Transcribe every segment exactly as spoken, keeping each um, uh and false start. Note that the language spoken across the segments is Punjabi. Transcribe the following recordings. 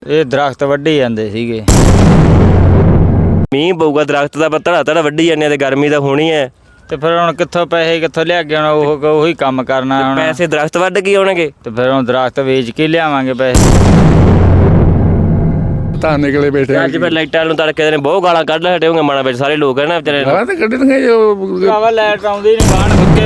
ਇਹ ਦਰਖਤ ਵੱਢੀ ਜਾਂਦੇ ਸੀਗੇ। ਮੀਂਹ ਪਊਗਾ ਦਰਖਤ ਦਾ ਧੜਾ ਧੜਾ ਵੱਢੀ ਜਾਂਦੇ ਤੇ ਗਰਮੀ ਤਾਂ ਹੋਣੀ ਹੈ। ਤੇ ਫਿਰ ਹੁਣ ਕਿੱਥੋਂ ਪੈਸੇ ਕਿੱਥੋਂ ਲਿਆ ਕੇ ਆਉਣਾ? ਉਹ ਉਹੀ ਕੰਮ ਕਰਨਾ ਹੁਣ। ਪੈਸੇ ਦਰਖਤ ਵੱਢ ਕੇ ਆਉਣਗੇ ਤੇ ਫਿਰ ਹੁਣ ਦਰਖਤ ਵੇਚ ਕੇ ਲਿਆਵਾਂਗੇ ਪੈਸੇ। ਤਾਂ ਨਿਕਲੇ ਬੈਠੇ ਅੱਜ ਫਿਰ ਲਾਈਟਾਂ ਨੂੰ ਤੜਕੇ ਦੇ ਨੇ ਬਹੁਤ ਗਾਲਾਂ ਕੱਢ ਹਟੇ ਹੋਣਗੇ ਮਨਾਂ ਵਿੱਚ ਸਾਰੇ ਲੋਕ ਹੈ ਨਾ ਵਿਚਾਰੇ। ਗਾਲਾਂ ਤਾਂ ਕੱਢਣਗੇ ਜੋ ਭਰਾਵਾ ਲਾਈਟ ਆਉਂਦੀ ਨਹੀਂ ਬਾਹਣ ਫੁੱਕੇ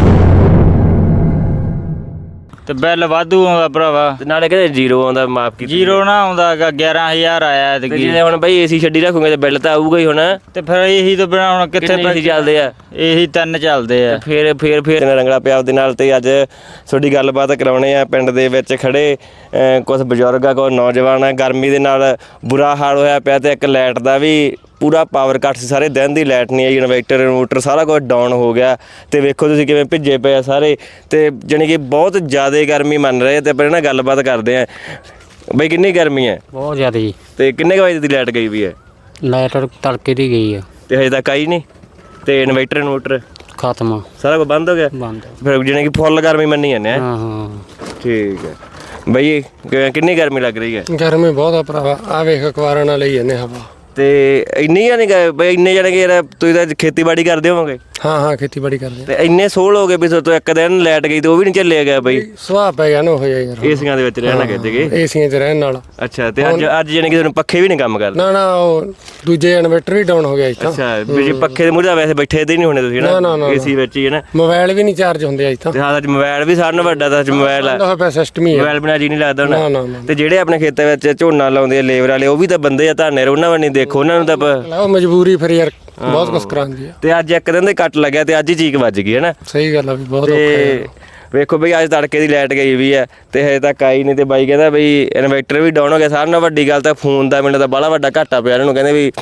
ਤੇ ਬਿੱਲ ਵਾਧੂ ਆਉਂਦਾ ਭਰਾਵਾ। ਤੇ ਨਾਲੇ ਕਹਿੰਦੇ ਜ਼ੀਰੋ ਆਉਂਦਾ ਮਾਫ ਕੀਤੀ। ਜ਼ੀਰੋ ਨਾ ਆਉਂਦਾ ਹੈਗਾ, ਗਿਆਰਾਂ ਹਜ਼ਾਰ ਆਇਆ ਤੇ ਜੇ ਹੁਣ ਬਈ ਏਸੀ ਛੱਡੀ ਰੱਖੋਗੇ ਤੇ ਬਿੱਲ ਤਾਂ ਆਊਗਾ ਹੀ ਹੁਣ। ਤੇ ਫਿਰ ਇਹੀ ਤੋਂ ਬਿਨਾਂ ਹੁਣ ਕਿੱਥੇ ਪੈਸੇ ਚੱਲਦੇ ਆ? ਇਹੀ ਤਿੰਨ ਚੱਲਦੇ ਆ। ਫੇਰ ਫੇਰ ਫੇਰ ਰੰਗਲਾ ਪਿਆ ਦੇ ਨਾਲ। ਤੇ ਅੱਜ ਤੁਹਾਡੀ ਗੱਲਬਾਤ ਕਰਾਉਣੇ ਆ ਪਿੰਡ ਦੇ ਵਿੱਚ ਖੜੇ ਕੁਝ ਬਜ਼ੁਰਗ ਆ ਕੁਝ ਨੌਜਵਾਨ ਆ। ਗਰਮੀ ਦੇ ਨਾਲ ਬੁਰਾ ਹਾਲ ਹੋਇਆ ਪਿਆ ਤੇ ਇੱਕ ਲਾਈਟ ਦਾ ਵੀ ਪੂਰਾ ਪਾਵਰ ਕੱਟ ਸੀ। ਸਾਰੇ ਦਿਨ ਦੀ ਲਾਈਟ ਨਹੀਂ ਆਈ। ਇਨਵਰਟਰ ਇਨਵਰਟਰ ਸਾਰਾ ਕੁਝ ਡਾਊਨ ਹੋ ਗਿਆ ਤੇ ਵੇਖੋ ਤੁਸੀਂ ਕਿਵੇਂ ਭਿੱਜੇ ਪਏ ਆ ਸਾਰੇ। ਤੇ ਜਾਣੀ ਕਿ ਬਹੁਤ ਜ਼ਿਆਦਾ ਗਰਮੀ ਮੰਨ ਰਹੇ ਤੇ ਆਪਾਂ ਇਹਨਾਂ ਗੱਲਬਾਤ ਕਰਦੇ ਆ। ਬਈ ਕਿੰਨੀ ਗਰਮੀ ਹੈ? ਬਹੁਤ ਜ਼ਿਆਦਾ ਜੀ। ਤੇ ਕਿੰਨੇ ਕੁ ਵਜੇ ਦੀ ਲਾਈਟ ਗਈ ਵੀ ਹੈ? ਲਾਈਟ ਤੜਕੇ ਦੀ ਗਈ ਆ ਤੇ ਹਜੇ ਤੱਕ ਆਈ ਨਹੀਂ। ਤੇ ਇਨਵਰਟਰ ਇਨਵਰਟਰ ਖਤਮ ਸਾਰਾ ਕੁਝ ਬੰਦ ਹੋ ਗਿਆ। ਬੰਦ ਫਿਰ ਜਾਣੀ ਕਿ ਫੁੱਲ ਗਰਮੀ ਮੰਨੀ ਜਾਂਦੇ ਆ। ਹਾਂ ਹਾਂ ਠੀਕ ਹੈ ਬਈ ਕਿੰਨੀ ਗਰਮੀ ਲੱਗ ਰਹੀ ਹੈ? ਗਰਮੀ ਬਹੁਤ ਆ ਭਰਾਵਾ। ਆ ਵੇਖ ਅਖਬਾਰਾਂ ਨਾਲ ਲਈ ਜਾਂਦੇ ਹਵਾ। ਤੇ ਇੰਨੀ ਜਾਨੀ ਬਈ ਇੰਨੇ ਜਾਣੇ ਕਿ ਯਾਰ ਤੁਸੀਂ ਤਾਂ ਖੇਤੀਬਾੜੀ ਕਰਦੇ ਹੋਵੋਗੇ? ਹਾਂ ਹਾਂ ਖੇਤੀਬਾੜੀ ਕਰਦੇ। ਤੇ ਇੰਨੇ ਸੋਲ ਹੋ ਗਏ ਵੀ ਤੋਂ ਇੱਕ ਦਿਨ ਲਾਈਟ ਗਈ ਤੇ ਉਹ ਵੀ ਨਹੀਂ ਚੱਲਿਆ ਗਿਆ ਬਈ। ਸੁਭਾਅ ਪੈ ਗਿਆ ਨਾ ਉਹ ਜਿਹਾ ਯਾਰ। ਏਸੀਆਂ ਦੇ ਵਿੱਚ ਰਹਿਣਾ ਕਿਤੇ ਗਏ? ਏਸੀਆਂ 'ਚ ਰਹਿਣ ਨਾਲ। ਅੱਛਾ ਤੇ ਅੱਜ ਅੱਜ ਜਾਨੀ ਕਿ ਤੁਹਾਨੂੰ ਪੱਖੇ ਵੀ ਨਹੀਂ ਕੰਮ ਕਰਦੇ? ਨਾ ਨਾ ਉਹ ਦੂਜੇ ਇਨਵਰਟਰ ਵੀ ਡਾਊਨ ਹੋ ਗਿਆ ਇੱਥੇ। ਅੱਛਾ ਵੀ ਜੇ ਪੱਖੇ ਦੇ ਮੂਹਰੇ ਵੈਸੇ ਬੈਠੇ ਤੇ ਨਹੀਂ ਹੋਣੇ ਤੁਸੀਂ ਨਾ ਏਸੀ ਵਿੱਚ ਹੀ ਹੈ ਨਾ। ਮੋਬਾਈਲ ਵੀ ਨਹੀਂ ਚਾਰਜ ਹੁੰਦੇ ਅੱਜ ਤਾਂ। ਤੇ ਹਾਂ ਅੱਜ ਮੋਬਾਈਲ ਵੀ ਸਾਰਿਆਂ ਨਾਲੋਂ ਵੱਡਾ ਤਾਂ ਅੱਜ ਮੋਬਾਈਲ ਆ। ਹੋਇਆ ਪਿਆ ਸਿਸਟਮ ਹੀ ਹੈ। ਮੋਬਾਈਲ ਬਿਨਾਂ ਜੀ ਨਹੀਂ ਲੱਗਦਾ ਨਾ ਨਾ ਹੁਣ। ਤੇ ਜਿਹੜੇ ਆਪਣੇ ਖੇਤਾਂ ਵਿੱਚ ਝੋਨਾ ਲਾਉਂਦੇ ਆ ਲੇਬਰ ਵਾਲੇ ਉਹ ਵੀ ਤਾਂ ਬੰਦੇ ਆ ਧਾਨੇ ਉਹਨਾਂ ਵੱਲ ਨਹੀਂ ਦੇਖੋ ਉਹਨਾਂ ਨੂੰ ਤਾਂ। ਉਹ ਮਜਬੂਰੀ ਫਿਰ ਯਾਰ ਬਹੁਤ ਕੁਛ ਕਰਾਉਂਦੀ ਆ। ਤੇ ਅੱਜ ਇੱਕ ਦਿਨ ਦੇ ਕੱਟ ਲੱਗਿਆ ਤੇ ਅੱਜ ਹੀ ਚੀਕ ਵੱਜ ਗਈ ਹੈ ਨਾ। ਸਹੀ ਗੱਲ ਆ ਵੀ ਬਹੁਤ ਔਖਾ ਤੇ ਵੇਖੋ ਬਈ ਅੱਜ ਤੜਕੇ ਦੀ ਲਾਈਟ ਗਈ ਵੀ ਹੈ ਤੇ ਹਜੇ ਤੱਕ ਆਈ ਨਹੀਂ। ਤੇ ਬਾਈ ਕਹਿੰਦਾ ਬਈ ਇਨਵਰਟਰ ਵੀ ਡਾਊਨ ਹੋ ਗਿਆ। ਸਾਰਿਆਂ ਨਾਲੋਂ ਵੱਡੀ ਗੱਲ ਤਾਂ ਫੋਨ ਦਾ ਮੈਨੂੰ ਤਾਂ ਬੜਾ ਵੱਡਾ ਘਾਟਾ ਪਿਆ ਇਹਨਾਂ ਨੂੰ। ਕਹਿੰਦੇ ਵੀ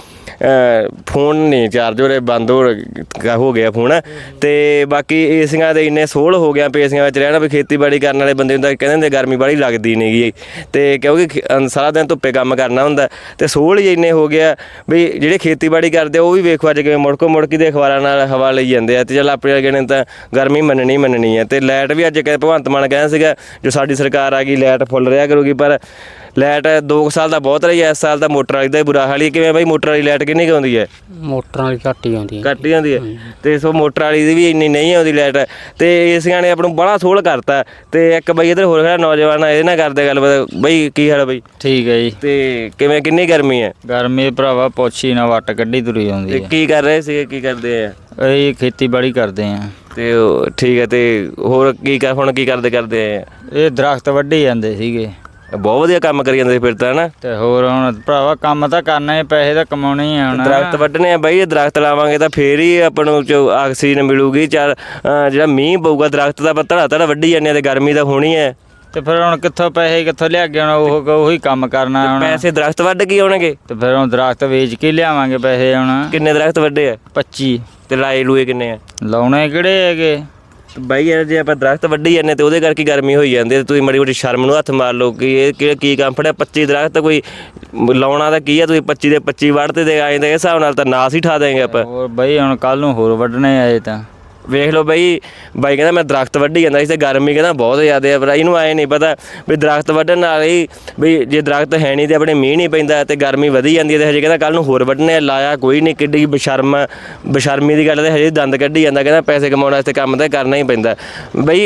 ਫੋਨ ਨਹੀਂ ਚਾਰਜ ਹੋ ਰਹੇ, ਬੰਦ ਹੋ ਹੋ ਗਿਆ ਫੋਨ। ਤੇ ਬਾਕੀ ਏਸੀਆਂ ਦੇ ਇੰਨੇ ਸੋਲ ਹੋ ਗਿਆ ਏਸੀਆਂ ਵਿੱਚ ਰਹਿਣਾ ਵੀ ਖੇਤੀਬਾੜੀ ਕਰਨ ਵਾਲੇ ਬੰਦੇ ਨੂੰ ਤਾਂ ਕਹਿੰਦੇ ਹੁੰਦੇ ਗਰਮੀ ਬੜੀ ਲੱਗਦੀ ਨਹੀਂ ਗੀ। ਤੇ ਕਿਉਂਕਿ ਸਾਰਾ ਦਿਨ ਧੁੱਪੇ ਕੰਮ ਕਰਨਾ ਹੁੰਦਾ ਤੇ ਸੋਲ ਹੀ ਇੰਨੇ ਹੋ ਗਿਆ ਵੀ ਜਿਹੜੇ ਖੇਤੀਬਾੜੀ ਕਰਦੇ ਉਹ ਵੀ ਵੇਖੋ ਅੱਜ ਕਿਵੇਂ ਮੁੜਕੋ ਮੁੜਕੀ ਦੇ ਅਖਬਾਰਾਂ ਨਾਲ ਹਵਾ ਲਈ ਜਾਂਦੇ ਆ। ਤੇ ਚੱਲ ਆਪਣੇ ਵਰਗੇ ਨੇ ਤਾਂ ਗਰਮੀ ਮੰਨਣੀ ਮੰਨਣੀ ਹੈ। ਤੇ ਲਾਈਟ ਵੀ ਅੱਜ ਕਹਿੰਦੇ ਭਗਵੰਤ ਮਾਨ ਕਹਿੰਦਾ ਸੀਗਾ ਜੋ ਸਾਡੀ ਸਰਕਾਰ ਆ ਗਈ ਲਾਈਟ ਫੁੱਲ ਰਿਹਾ ਕਰੂਗੀ। ਪਰ ਲਾਈਟ ਦੋ ਸਾਲ ਦਾ ਬਹੁਤ ਰਹੀ ਹੈ। ਇਸ ਸਾਲ ਦਾ ਮੋਟਰ ਵਾਲੀ ਦਾ ਹੀ ਬੁਰਾ ਹਾਲ ਹੀ। ਕਿਵੇਂ ਬਾਈ ਮੋਟਰ ਵਾਲੀ ਲਾਈਟ ਕਿੰਨੀ ਕੁ ਆਉਂਦੀ ਹੈ? ਮੋਟਰਾਂ ਵਾਲੀ ਘੱਟ ਹੀ ਆਉਂਦੀ ਹੈ। ਘੱਟ ਹੀ ਆਉਂਦੀ ਹੈ। ਤੇ ਸੋ ਮੋਟਰ ਵਾਲੀ ਦੀ ਵੀ ਇੰਨੀ ਨਹੀਂ ਆਉਂਦੀ ਲਾਈਟ। ਤੇ ਏਸੀਆਂ ਨੇ ਆਪਾਂ ਨੂੰ ਬੜਾ ਸੋਹਲ ਕਰਤਾ। ਤੇ ਇੱਕ ਬਈ ਇੱਧਰ ਹੋਰ ਖੜਾ ਨੌਜਵਾਨ ਇਹਦੇ ਨਾਲ ਕਰਦੇ ਗੱਲ ਬਈ ਕੀ ਹਾਲ ਬਈ? ਠੀਕ ਹੈ ਜੀ। ਤੇ ਕਿਵੇਂ ਕਿੰਨੀ ਗਰਮੀ ਹੈ? ਗਰਮੀ ਭਰਾਵਾ ਪੁੱਛੀ ਨਾ ਵੱਟ ਕੱਢੀ ਤੁਰੀ ਆਉਂਦੀ ਤੇ ਹੈ। ਕੀ ਕਰ ਰਹੇ ਸੀਗੇ ਕੀ ਕਰਦੇ ਆ? ਇਹ ਖੇਤੀਬਾੜੀ ਕਰਦੇ ਆ। ਤੇ ਠੀਕ ਹੈ। ਤੇ ਹੋਰ ਕੀ ਕਰ ਹੁਣ ਕੀ ਕਰਦੇ ਕਰਦੇ ਆ? ਇਹ ਦਰਖਤ ਵੱਢੀ ਜਾਂਦੇ ਸੀਗੇ। ਬਹੁਤ ਵਧੀਆ ਕੰਮ ਕਰੀ ਜਾਂਦੇ ਫਿਰ ਤਾਂ ਹਨਾ। ਤੇ ਹੋਰ ਹੁਣ ਭਰਾਵਾ ਕੰਮ ਤਾਂ ਕਰਨਾ ਹੈ, ਪੈਸੇ ਤਾਂ ਕਮਾਉਣੇ ਹੀ ਆ ਹੁਣ। ਦਰਖਤ ਵੱਢਣੇ ਆ ਬਾਈ। ਦਰਖਤ ਲਾਵਾਂਗੇ ਤਾਂ ਫੇਰ ਹੀ ਆਪਾਂ ਨੂੰ ਆਕਸੀਜਨ ਮਿਲੂਗੀ। ਚਾਰ ਜਿਹੜਾ ਮੀਂਹ ਪਊਗਾ ਦਰਖਤ ਦਾ ਧੜਾ ਧੜਾ ਵੱਢੀ ਜਾਂਦੇ ਆ ਤੇ ਗਰਮੀ ਤਾਂ ਹੋਣੀ ਹੈ। ਤੇ ਫਿਰ ਹੁਣ ਕਿੱਥੋਂ ਪੈਸੇ ਕਿੱਥੋਂ ਲਿਆ ਕੇ ਆਉਣਾ? ਉਹ ਉਹੀ ਕੰਮ ਕਰਨਾ ਹੁਣ। ਪੈਸੇ ਦਰਖਤ ਵੱਢ ਕੇ ਆਉਣਗੇ। ਤੇ ਫਿਰ ਹੁਣ ਦਰਖਤ ਵੇਚ ਕੇ ਲਿਆਵਾਂਗੇ ਪੈਸੇ ਹੁਣ। ਕਿੰਨੇ ਦਰਖਤ ਵੱਢੇ ਆ? ਪੱਚੀ। ਤੇ ਲਾਏ ਲੂਏ ਕਿੰਨੇ ਆ? ਲਾਉਣੇ ਕਿਹੜੇ ਹੈਗੇ ਬਾਈ ਯਾਰ ਜੇ ਆਪਾਂ ਦਰਖਤ ਵੱਢੀ ਜਾਂਦੇ ਤੇ ਉਹਦੇ ਕਰਕੇ ਗਰਮੀ ਹੋਈ ਜਾਂਦੀ ਹੈ। ਤੁਸੀਂ ਮਾੜੀ ਮੋਟੀ ਸ਼ਰਮ ਨੂੰ ਹੱਥ ਮਾਰ ਲਓ ਕਿ ਇਹ ਕਿਹੜਾ ਕੀ ਕੰਮ ਫੜਿਆ। ਪੱਚੀ ਦਰਖਤ ਕੋਈ ਲਾਉਣਾ ਤਾਂ ਕੀ ਆ? ਤੁਸੀਂ ਪੱਚੀ ਦੇ ਪੱਚੀ ਵੱਢਦੇ ਤੇ ਆਏ ਦੇ ਹਿਸਾਬ ਨਾਲ ਤਾਂ ਨਾਸ ਹੀ ਠਾ ਦੇਂਗੇ ਆਪਾਂ। ਹੋਰ ਬਈ ਹੁਣ ਕੱਲ ਨੂੰ ਹੋਰ ਵੱਢਣੇ ਆਏ ਤਾਂ ਵੇਖ ਲਓ ਬਈ। ਬਾਈ ਕਹਿੰਦਾ ਮੈਂ ਦਰਖਤ ਵੱਢੀ ਜਾਂਦਾ ਸੀ ਤੇ ਗਰਮੀ ਕਹਿੰਦਾ ਬਹੁਤ ਜ਼ਿਆਦਾ ਹੈ। ਪਰ ਇਹਨੂੰ ਆਏ ਨਹੀਂ ਪਤਾ ਵੀ ਦਰਖਤ ਵੱਢਣ ਨਾਲ ਹੀ ਵੀ ਜੇ ਦਰਖਤ ਹੈ ਨਹੀਂ ਤੇ ਆਪਣੇ ਮੀਂਹ ਨਹੀਂ ਪੈਂਦਾ ਤੇ ਗਰਮੀ ਵਧੀ ਜਾਂਦੀ ਹੈ। ਤੇ ਹਜੇ ਕਹਿੰਦਾ ਕੱਲ ਨੂੰ ਹੋਰ ਵੱਢਣੇ ਲਾਇਆ ਕੋਈ ਨਹੀਂ। ਕਿੱਡੀ ਬਸ਼ਰਮ ਬਸ਼ਰਮੀ ਦੀ ਗੱਲ ਤੇ ਹਜੇ ਦੰਦ ਕੱਢੀ ਜਾਂਦਾ। ਕਹਿੰਦਾ ਪੈਸੇ ਕਮਾਉਣ ਵਾਸਤੇ ਕੰਮ ਤਾਂ ਕਰਨਾ ਹੀ ਪੈਂਦਾ ਬਈ।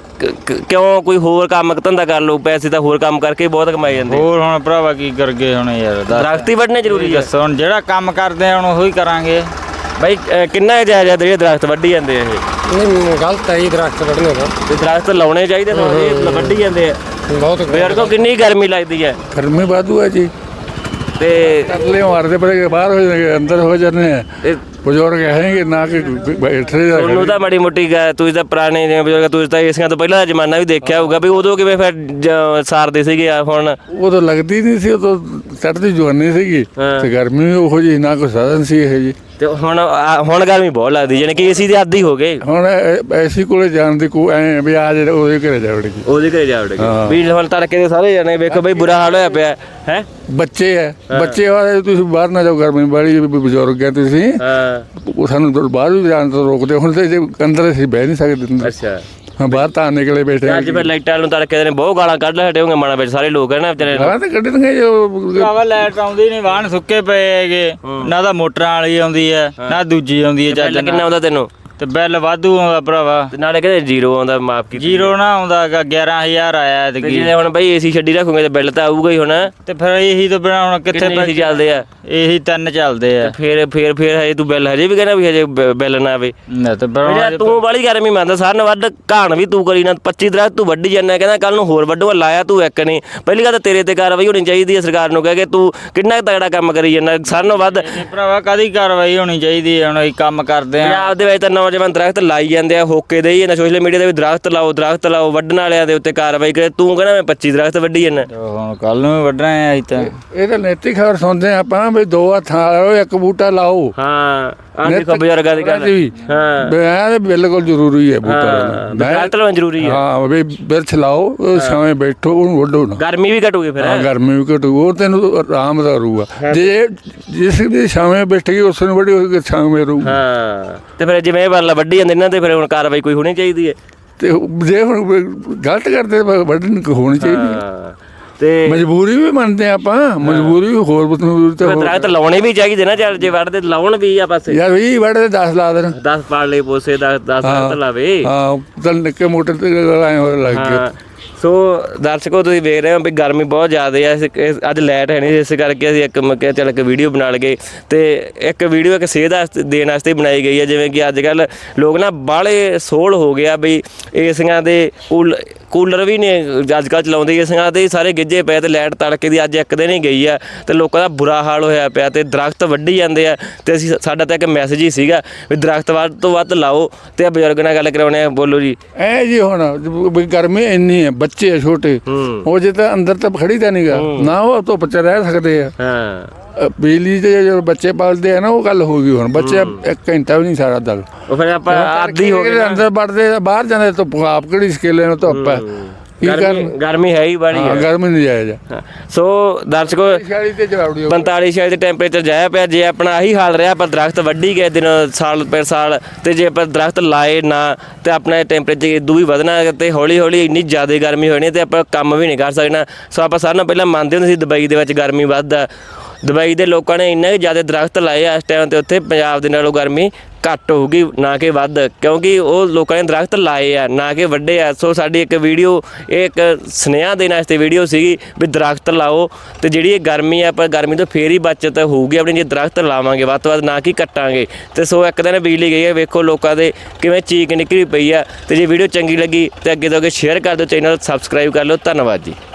ਕਿਉਂ ਕੋਈ ਹੋਰ ਕੰਮ ਧੰਦਾ ਕਰ ਲਓ। ਪੈਸੇ ਤਾਂ ਹੋਰ ਕੰਮ ਕਰਕੇ ਬਹੁਤ ਕਮਾਏ ਜਾਂਦੇ। ਹੋਰ ਹੁਣ ਭਰਾਵਾ ਕੀ ਕਰਗੇ ਹੁਣ ਯਾਰ? ਦਰਖਤ ਹੀ ਵੱਢਣੇ ਜ਼ਰੂਰੀ ਹੈ। ਦੱਸੋ ਹੁਣ ਜਿਹੜਾ ਕੰਮ ਕਰਦੇ ਆ ਹੁਣ ਉਹੀ ਕਰਾਂਗੇ ਬਾਈ। ਕਿੰਨਾ ਜਾਇਜ਼ ਜਿਹੜੇ ਦਰਖਤ ਵੱਢੀ ਜਾਂਦੇ ਆ ਇਹ? ਨਹੀਂ ਗਲਤ ਹੈ ਜੀ ਦਰਖਤ ਵੱਢਣੇ ਦਾ। ਤੇ ਦਰਖਤ ਲਾਉਣੇ ਚਾਹੀਦੇ ਥੋੜੇ ਵੱਢੀ ਜਾਂਦੇ ਆ। ਬਹੁਤ ਬਜ਼ੁਰਗੋ ਕਿੰਨੀ ਗਰਮੀ ਲੱਗਦੀ ਹੈ? ਗਰਮੀ ਵਾਧੂ ਹੈ ਜੀ। ਤੇ ਤਰਲੇ ਮਾਰਦੇ ਪਏ ਬਾਹਰ ਹੋ ਜਾਣਗੇ ਅੰਦਰ ਹੋ ਜਾਂਦੇ ਆ। ਬਜ਼ੁਰਗ ਹੈਗੇ ਨਾ ਕਿ ਬੈਠੇ ਤੁਹਾਨੂੰ ਤਾਂ ਮਾੜੀ ਮੋਟੀ ਤੁਸੀਂ ਤਾਂ ਪੁਰਾਣੇ ਜਿਵੇਂ ਬਜ਼ੁਰਗ ਤੁਸੀਂ ਤਾਂ ਏਸੀਆਂ ਤੋਂ ਪਹਿਲਾਂ ਦਾ ਜ਼ਮਾਨਾ ਵੀ ਦੇਖਿਆ ਹੋਊਗਾ ਵੀ ਉਦੋਂ ਕਿਵੇਂ ਫਿਰ ਸਾਰਦੇ ਸੀਗੇ। ਹੁਣ ਉਦੋਂ ਲੱਗਦੀ ਨਹੀਂ ਸੀ। ਉਦੋਂ ਚੜ੍ਹਦੀ ਜਵਾਨੀ ਸੀਗੀ ਤੇ ਗਰਮੀ ਵੀ ਉਹੋ ਜਿਹੀ ਨਾ ਕੋਈ ਸਾਧਨ ਸੀ ਇਹ ਜੀ। ਤੇ ਹੁਣ ਹੁਣ ਗਰਮੀ ਬਹੁਤ ਲੱਗਦੀ ਜਾਣੀ ਕਿ ਏਸੀ ਦੇ ਆਦੀ ਹੋ ਗਏ। ਹੁਣ ਐਸੀ ਕੋਲੇ ਜਾਣ ਦੀ ਕੋਈ ਐ ਵੀ ਆ ਜਿਹੜੇ ਉਹਦੇ ਘਰੇ ਜਾਵੜੇਗੀ ਉਹਦੇ ਘਰੇ ਜਾਵੜੇਗੀ ਵੀ ਹੁਣ ਤੜਕੇ ਦੇ ਸਾਰੇ ਜਾਣੇ ਵੇਖੋ ਬਈ ਬੁਰਾ ਹਾਲ ਹੋਇਆ ਪਿਆ ਹੈ। ਬੱਚੇ ਹੈ ਬੱਚੇ ਵਾਲੇ ਤੁਸੀਂ ਬਾਹਰ ਨਾ ਜਾਓ ਗਰਮੀ ਵਾਲੀ। ਬਜ਼ੁਰਗ ਹੈ ਤੁਸੀਂ ਉਹ ਸਾਨੂੰ ਬਾਹਰ ਵੀ ਜਾਣ ਤੋਂ ਰੋਕਦੇ। ਹੁਣ ਤੇ ਜੇ ਅੰਦਰ ਅਸੀਂ ਬਹਿ ਨਹੀਂ ਸਕਦੇ। ਅੱਛਾ ਹਾਂ ਬਾਹਰ ਤਾਂ ਨਿਕਲੇ ਬੈਠੇ ਅੱਜ ਫਿਰ ਲਾਈਟਾਂ ਨੂੰ ਤੜਕੇ ਦੇ ਬਹੁਤ ਗਾਲਾਂ ਕੱਢ ਹਟੇ ਹੋਗੇ ਮਨਾਂ ਵਿੱਚ ਸਾਰੇ ਲੋਕ ਹੈ ਨਾ ਵਿਚਾਰੇ ਗਾਲਾਂ ਤਾਂ ਕੱਢਣਗੇ ਜੋ ਭਰਾਵਾ ਲਾਈਟ ਆਉਂਦੀ ਨਹੀਂ ਵਾਹਣ ਸੁੱਕੇ ਪਏ ਹੈਗੇ ਨਾ ਤਾਂ ਮੋਟਰਾਂ ਵਾਲੀ ਆਉਂਦੀ ਹੈ ਨਾ ਦੂਜੀ ਆਉਂਦੀ ਹੈ ਚੱਜ ਬਿੱਲ ਕਿੰਨਾ ਨਾਲ ਆਉਂਦਾ ਤੈਨੂੰ ਤੇ ਬਿੱਲ ਵਾਧੂ ਆਉਂਦਾ ਭਰਾਵਾ ਤੇ ਨਾਲੇ ਕਹਿੰਦੇ ਜ਼ੀਰੋ ਆਉਂਦਾ ਮਾਫ ਕੀਤੀ ਜ਼ੀਰੋ ਨਾ ਆਉਂਦਾ ਗਾ ਗਿਆਰਾਂ ਹਜ਼ਾਰ ਆਇਆ ਤੇ ਤੇ ਜੇ ਹੁਣ ਬਈ ਏਸੀ ਛੱਡੀ ਰੱਖੋਗੇ ਤੇ ਬਿੱਲ ਤਾਂ ਆਊਗਾ ਹੀ ਹੁਣ ਤੇ ਫਿਰ ਇਹੀ ਤੋਂ ਬਿਨਾਂ ਹੁਣ ਕਿੱਥੇ ਕਿੰਨੇ ਏਸੀ ਚੱਲਦੇ ਆ ਇਹੀ ਤਿੰਨ ਚੱਲਦੇ ਆ ਫੇਰ ਫੇਰ ਫੇਰ ਹਜੇ ਤੂੰ ਬਿੱਲ ਹਜੇ ਵੀ ਕਹਿੰਦਾ ਵੀ ਹਜੇ ਬ- ਬਿੱਲ ਨਾ ਆਵੇ ਨਾ ਤੇ ਫਿਰ ਮੇਰਾ ਹੁਣ ਤੂੰ ਵਾਲੀ ਗਰਮੀ ਮੰਨਦਾ ਸਾਰਿਆਂ ਨਾਲੋਂ ਵੱਧ ਘਾਣ ਵੀ ਤੂੰ ਕਰੀ ਨਾ ਪੱਚੀ ਦਰਖਤ ਤੂੰ ਵੱਢੀ ਜਾਂਦਾ ਕਹਿੰਦਾ ਕੱਲ ਨੂੰ ਹੋਰ ਵੱਢੂਗਾ ਲਾਇਆ ਤੂੰ ਇੱਕ ਨਹੀਂ ਪਹਿਲੀ ਗੱਲ ਤਾਂ ਤੇਰੇ ਤੇ ਕਾਰਵਾਈ ਹੋਣੀ ਚਾਹੀਦੀ ਹੈ ਸਰਕਾਰ ਨੂੰ ਕਹਿ ਕੇ ਤੂੰ ਕਿੰਨਾ ਕੁ ਤਗੜਾ ਕੰਮ ਕਰੀ ਜਾਂਦਾ ਸਾਰਿਆਂ ਨਾਲੋਂ ਵੱਧ ਇਹ ਭਰਾਵਾ ਕਾਦੀ ਕਾਰਵਾਈ ਹੋਣੀ ਚਾਹੀਦੀ ਹੈ ਹੁਣ ਅਸੀਂ ਕੰਮ ਕਰਦੇ ਆ ਪੰਜਾਬ ਦੇ ਵਿੱਚ ਤਾਂ ਨੌਜਵਾਨ ਦਰਖਤ ਲਾਈ ਜਾਂਦੇ ਆ ਹੋਕੇ ਦੇ ਹੀ ਜਾਂਦਾ ਸੋਸ਼ਲ ਮੀਡੀਆ ਤੇ ਵੀ ਦਰਖਤ ਲਾਓ ਦਰਖਤ ਲਾਓ ਵੱਢਣ ਵਾਲਿਆਂ ਦੇ ਉੱਤੇ ਕਾਰਵਾਈ ਕਰੇ ਤੂੰ ਕਹਿੰਦਾ ਮੈਂ ਪੱਚੀ ਦਰਖਤ ਵੱਢੀ ਜਾਂਦਾ ਹੁਣ ਕੱਲ ਨੂੰ ਵੀ ਵੱਢਣਾ ਹੈ ਅਸੀਂ ਤਾਂ ਇਹ ਤਾਂ ਨੈਤਿਕ ਖਬਰ ਸੁਣਦੇ ਆਪਾਂ ਵੀ ਦੋ ਹੱਥਾਂ ਵਾਲੋ ਇੱਕ ਬੂਟਾ ਲਾਓ ਹਾਂ ਆਹ ਦੇਖੋ ਬਜ਼ੁਰਗਾਂ ਦੀ ਗੱਲ ਹਾਂ ਬਿਆਨ ਇਹ ਬਿਲਕੁਲ ਜ਼ਰੂਰੀ ਹੈ ਬੂਟਾ ਹਾਂ ਲਾਉਣਾ। ਦਰਖਤ ਲਾਉਣਾ ਜ਼ਰੂਰੀ ਹੈ ਹਾਂ ਵੀ ਬਿਰਛ ਲਾਓ ਉਹ ਛਾਵੇਂ ਬੈਠੋ ਉਹਨੂੰ ਵੱਢੋ ਨਾ ਗਰਮੀ ਵੀ ਘਟੂਗੀ ਫਿਰ ਹਾਂ ਗਰਮੀ ਵੀ ਘਟੂ ਉਹ ਤੈਨੂੰ ਆਰਾਮ ਦਾ ਰਹੂਗਾ ਜੇ ਜਿਸ ਦੀ ਛਾਵੇਂ ਬੈਠ ਗਈ ਉਸ ਨੂੰ ਵੱਡੀ ਹੋਈ ਛਾਵੇਂ ਰਹੂ ਹਾਂ ਤੇ ਫਿਰ ਜਿਵੇਂ ਇਹ ਵਾਲਾ ਵੱਢੀ ਜਾਂਦੇ ਇਹਨਾਂ ਤੇ ਫਿਰ ਹੁਣ ਕਾਰਵਾਈ ਕੋਈ ਹੋਣੀ ਚਾਹੀਦੀ ਹੈ ਤੇ ਜੇ ਹੁਣ ਗਲਤ ਕਰਦੇ ਤਾਂ ਵੱਢਣ ਹੋਣੀ ਚਾਹੀਦੀ ਹੈ। ਹਾਂ ਤੇ ਮਜਬੂਰੀ ਵੀ ਮੰਨਦੇ ਆ ਆਪਾਂ ਮਜਬੂਰੀ ਵੀ ਹੋਰ ਮਜਬੂਰੀ ਤੇ ਫਿਰ ਦਰਖਤ ਲਾਉਣੇ ਵੀ ਚਾਹੀਦੇ ਨਾ ਚੱਲ ਜੇ ਵੱਢਦੇ ਲਾਉਣ ਵੀ ਆ ਪਾਸੇ ਯਾਰ ਵੀ ਵੱਢਦੇ ਦਸ ਲਾ ਦੇਣ ਦਸ ਪਾੜ ਲਈ ਪੋਸੇ ਦਸ ਦਸ ਦਰਖਤ ਲਾਵੇ ਹਾਂ ਚੱਲ ਨਿੱਕੇ ਮੋਟੇ ਤੇ ਆਏ ਹੋਏ ਲੱਗ ਗਏ ਹਾਂ ਸੋ ਦਰਸ਼ਕੋ ਤੁਸੀਂ ਵੇਖ ਰਹੇ ਹੋ ਵੀ ਗਰਮੀ ਬਹੁਤ ਜ਼ਿਆਦਾ ਹੈ ਇਸ- ਇਸ- ਅੱਜ ਲਾਈਟ ਹੈ ਨਹੀਂ ਇਸ ਕਰਕੇ ਅਸੀਂ ਇੱਕ ਮੈਂ ਕਿਹਾ ਚੱਲ ਇੱਕ ਵੀਡੀਓ ਬਣਾ ਲਈਏ ਤੇ ਇੱਕ ਵੀਡੀਓ ਇੱਕ ਸੇਧ ਵਾਸਤੇ ਦੇਣ ਵਾਸਤੇ ਬਣਾਈ ਗਈ ਹੈ ਜਿਵੇਂ ਕਿ ਅੱਜ ਕੱਲ ਲੋਕ ਨਾ ਬਾਹਲੇ ਸੋਲ ਹੋ ਗਿਆ ਬਈ ਏਸੀਆਂ ਦੇ ਕੂਲ ਕੂਲਰ ਵੀ ਨੇ ਅੱਜ ਕੱਲ੍ਹ ਚਲਾਉਂਦੇ ਏਸੀਆਂ ਤੇ ਸਾਰੇ ਗਿੱਜੇ ਪਏ ਤੇ ਲਾਈਟ ਤੜਕੇ ਦੀ ਅੱਜ ਇੱਕ ਦਿਨ ਹੀ ਗਈ ਆ ਤੇ ਲੋਕਾਂ ਦਾ ਬੁਰਾ ਹਾਲ ਹੋਇਆ ਪਿਆ ਤੇ ਦਰਖਤ ਵੱਢੀ ਜਾਂਦੇ ਆ ਤੇ ਅਸੀਂ ਸਾਡਾ ਤਾਂ ਇੱਕ ਮੈਸੇਜ ਹੀ ਸੀਗਾ ਵੀ ਦਰਖਤ ਵੱਧ ਤੋਂ ਵੱਧ ਲਾਓ ਤੇ ਆ ਬਜ਼ੁਰਗ ਨਾਲ ਗੱਲ ਕਰਾਉਣੇ ਆ ਬੋਲੋ ਜੀ ਐ ਜੀ ਹੁਣ ਵੀ ਗਰਮੀ ਇੰਨੀ ਹੈ ਬੱਚੇ ਆ ਛੋਟੇ ਹੂੰ ਉਹ ਜੇ ਤਾਂ ਅੰਦਰ ਤਾਂ ਖੜੀ ਤਾਂ ਨਹੀਂਗਾ ਨਾ ਉਹ ਧੁੱਪ ਚ ਰਹਿ ਸਕਦੇ ਆ ਹਾਂ ਅ, ਬਿਜਲੀ ਦੇ ਜੋ ਬੱਚੇ ਪਾਲਦੇ ਆ ਨਾ ਉਹ ਗੱਲ ਹੋ ਗਈ ਹੁਣ ਬੱਚੇ ਇੱਕ ਘੰਟਾ ਵੀ ਨਹੀਂ ਸਾਰਾ ਦਲ ਉਹ ਫਿਰ ਆਪਾਂ ਆਦੀ ਹੋ ਗਏ ਅੰਦਰ ਵੜਦੇ ਆ, ਬਾਹਰ ਜਾਂਦੇ ਧੁੱਪ ਆਪ ਕਿਹੜੀ ਸਕੇਲੇ ਨੂੰ ਧੁੱਪ ਹੈ ਕੀ ਗਰਮੀ ਕਰਨ ਗਰਮੀ ਹੈ ਹੀ ਬੜੀ ਹਾਂ ਹੈ ਗਰਮੀ ਨਹੀਂ ਜਾਇਜ਼ ਹਾਂ। ਸੋ ਦਰਸ਼ਕੋ ਛਿਆਲੀ ਤੇ ਜਵਾਬੜੀ ਪੰਤਾਲੀ ਛਿਆਲੀ ਦੇ ਟੈਂਪਰੇਚਰ ਜਾਇਆ ਪਿਆ ਜੇ ਆਪਣਾ ਆਹੀ ਹਾਲ ਰਿਹਾ ਪਰ ਦਰਖਤ ਵੱਢੀ ਗਏ ਦਿਨ ਸਾਲ ਪਰ ਸਾਲ ਤੇ ਜੇ ਆਪਾਂ ਦਰਖਤ ਲਾਏ ਨਾ ਤੇ ਆਪਣਾ ਟੈਂਪਰੇਚਰ ਇਦੋਂ ਵੀ ਵਧਣਾ ਤੇ ਹੌਲੀ ਹੌਲੀ ਇੰਨੀ ਜ਼ਿਆਦਾ ਗਰਮੀ ਹੋਣੀ ਤੇ ਆਪਾਂ ਕੰਮ ਵੀ ਨਹੀਂ ਕਰ ਸਕਣਾ ਸੋ ਆਪਾਂ ਸਾਰਿਆਂ ਨਾਲੋਂ ਪਹਿਲਾਂ ਮੰਨਦੇ ਹੁੰਦੇ ਸੀ ਦੁਬਈ ਦੇ ਵਿੱਚ ਗਰਮੀ ਵੱਧਦਾ ਦੁਬਈ ਦੇ ਲੋਕਾਂ ਨੇ ਇੰਨੇ ਜ਼ਿਆਦਾ ਦਰਖਤ ਲਾਏ ਆ ਇਸ ਟਾਈਮ ਤੇ ਉੱਥੇ ਪੰਜਾਬ ਦੇ ਨਾਲੋਂ ਗਰਮੀ ਘੱਟ ਹੋਊਗੀ ਨਾ ਕਿ ਵੱਧ ਕਿਉਂਕਿ ਉਹ ਲੋਕਾਂ ਨੇ ਦਰਖਤ ਲਾਏ ਆ ਨਾ ਕਿ ਵੱਢੇ ਆ ਸੋ ਸਾਡੀ ਇੱਕ ਵੀਡੀਓ ਇਹ ਇੱਕ ਸੁਨੇਹਾ ਦੇਣ ਵਾਸਤੇ ਵੀਡੀਓ ਸੀਗੀ ਵੀ ਦਰਖਤ ਲਾਓ ਤੇ ਜਿਹੜੀ ਇਹ ਗਰਮੀ ਆ ਪਰ ਗਰਮੀ ਤੋਂ ਫੇਰ ਹੀ ਬਚਤ ਹੋਊਗੀ ਆਪਣੀ ਜੇ ਦਰਖਤ ਲਾਵਾਂਗੇ ਵੱਧ ਤੋਂ ਵੱਧ ਨਾ ਕਿ ਕੱਟਾਂਗੇ ਤੇ ਸੋ ਇੱਕ ਦਿਨ ਬਿਜਲੀ ਗਈ ਹੈ ਵੇਖੋ ਲੋਕਾਂ ਦੇ ਕਿਵੇਂ ਚੀਕ ਨਿਕਲੀ ਪਈ ਆ ਤੇ ਜੇ ਵੀਡੀਓ ਚੰਗੀ ਲੱਗੀ ਤੇ ਅੱਗੇ ਤੋਂ ਅੱਗੇ ਸ਼ੇਅਰ ਕਰ ਦਿਓ ਚੈਨਲ ਸਬਸਕ੍ਰਾਈਬ ਕਰ ਲਓ ਧੰਨਵਾਦ ਜੀ।